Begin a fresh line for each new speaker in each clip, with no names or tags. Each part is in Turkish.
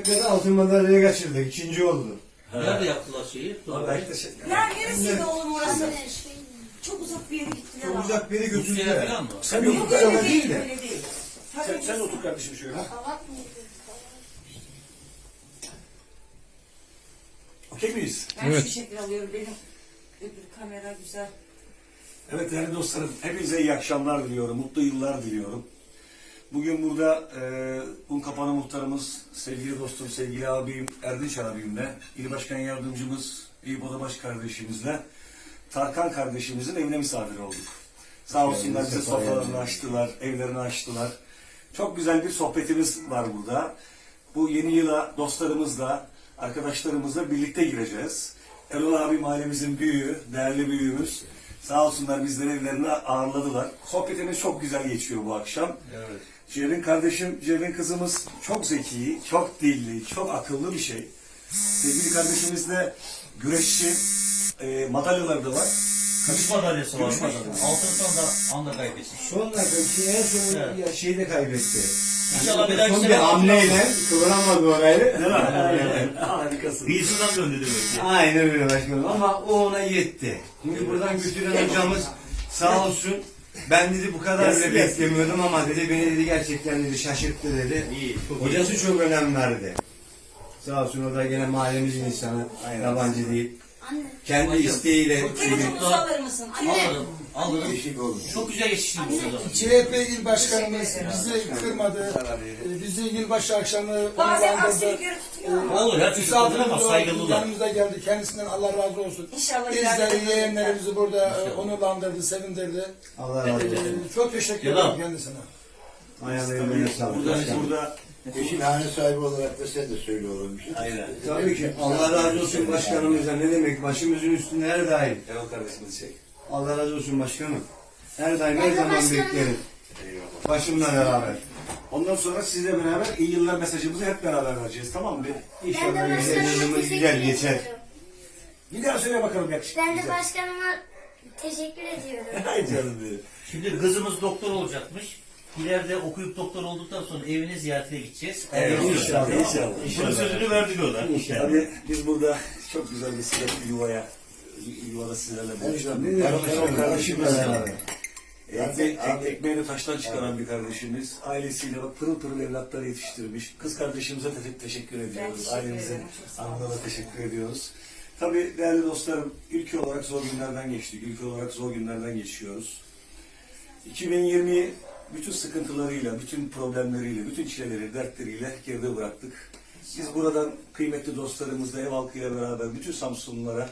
Olimpiyada altın madalyayı kaçırdık. 2. oldu.
Nerede yaptılar şeyi?
Ya neresiydi oğlum orası? Çok uzak bir yere gittiler.
Çok uzak bir yere
Rusya'ya
götürdüler.
falan mı?
Sen
Yok
yok
öyle
kadar
değil,
değil de.
öyle değil.
Sen otur kardeşim şöyle. Okey miyiz?
Ben şu şekil alıyorum, benim öbür kamera güzel.
Evet değerli dostlarım, hepinize iyi akşamlar diliyorum, mutlu yıllar diliyorum. Bugün burada Unkapanı muhtarımız, sevgili dostum, sevgili abim Erdinç abimle, İl Başkan Yardımcımız Eyüp Odabaş kardeşimizle, Tarkan kardeşimizin evine misafir olduk. Sağ olsunlar bize sofralarını açtılar, evlerini açtılar. Çok güzel bir sohbetimiz var burada. Bu yeni yıla dostlarımızla, arkadaşlarımızla birlikte gireceğiz. Erol abi mahallemizin büyüğü, değerli büyüğümüz. Sağ olsunlar bizleri evlerine ağırladılar. Sohbetimiz çok güzel geçiyor bu akşam.
Evet.
Cevin kardeşim, Cevin kızımız çok zeki, çok dilli, çok akıllı bir şey. Sevgili kardeşimiz de güreşçi, madalyaları da var.
Gümüş madalyası var.
Gümüş madalyası.
Altın son anda kaybetsin.
Son dakika en son
Evet.
şeyi de kaybetti.
İnşallah bir dahaki
Son bir
sene
hamleyle kıvıramadı orayı.
Değil mi? Aynen. Harikasın.
Kıyısından döndü demek ki.
Aynen öyle başkanım ama o ona yetti. Çünkü buradan götüren hocamız sağ olsun. Ben dedi bu kadar bile beklemiyordum ama dedi beni dedi gerçekten dedi şaşırttı dedi.
İyi.
Hocası çok önem verdi. Sağ olsun o da gene mahallemizin insanı.
Aynen.
Yabancı değil. Kendi isteğiyle.
Telefonumuzu alır mısın? Anne.
Alırım.
Bir şey olur.
Çok güzel yetiştirdiniz o zaman.
CHP il başkanımız bizi kırmadı. Bizi yılbaşı akşamı
Bazen aksilik
onurlandırdı.
yürütüyor.
Olur ya, çocuklar ama
Misafirimiz
saygılılar.
yanımıza geldi. Kendisinden Allah razı olsun.
İnşallah
İzleri, yeğenlerimizi burada onurlandırdı, sevindirdi.
Allah razı olsun.
Çok teşekkür
Yalan.
ederim kendisine.
Ayağlarına sağlık.
Burada
Eşin hane sahibi olarak da sen de söyle oğlum bir şey.
aynen.
Tabii ki. Allah razı olsun başkanımıza. Ne demek? Başımızın üstünde her daim.
Erol kardeşimiz çek.
Allah razı olsun başkanım. Her daim her zaman beklerim. Başımla beraber.
Ondan sonra sizle beraber iyi yıllar mesajımızı hep beraber vereceğiz, tamam mı?
İnşallah güzel yılımız güzel geçer.
Bir daha söyle bakalım yakışıklı.
Ben de başkanıma teşekkür ediyorum.
Ay canım benim.
Şimdi kızımız doktor olacakmış. İleride okuyup doktor olduktan sonra evine ziyaretine gideceğiz.
Evet, inşallah,
Tamam mı?
inşallah.
Bunun sözünü verdik ona.
Tabii biz burada çok güzel bir sıcak bir yuvada sizlerle buluştuk. Erol kardeşimiz
beraber.
ekmeğini taştan çıkaran bir kardeşimiz. Ailesiyle bak pırıl pırıl evlatları yetiştirmiş. Kız kardeşimize teşekkür ediyoruz.
teşekkür
Ailemize,
ederim.
anına da teşekkür ediyoruz. Tabii değerli dostlarım, ülke olarak zor günlerden geçtik. Ülke olarak zor günlerden geçiyoruz. 2020 bütün sıkıntılarıyla, bütün problemleriyle, bütün çileleri, dertleriyle geride bıraktık. Biz buradan kıymetli dostlarımızla, ev halkıyla beraber bütün Samsunlulara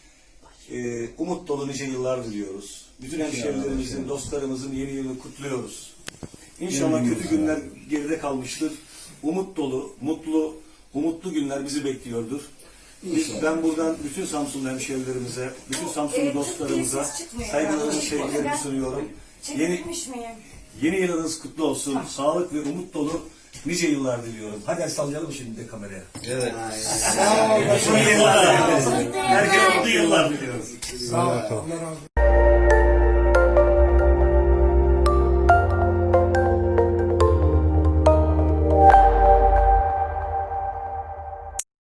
umut dolu nice yıllar diliyoruz. Bütün hemşehrilerimizin, dostlarımızın yeni yılını kutluyoruz. İnşallah kötü günler geride kalmıştır. Umut dolu, umutlu günler bizi bekliyordur. Ben buradan bütün Samsunlu hemşehrilerimize, bütün Samsunlu dostlarımıza saygılarımı, sevgilerimi sunuyorum.
Çekilmiş miyim?
Yeni yılınız kutlu olsun. Sağlık ve umut dolu nice yıllar diliyorum. Hadi el sallayalım şimdi de kameraya.
Evet.
Mutlu yıllar. Herkese mutlu yıllar diliyoruz.
Sağ ol. Allah razı olsun.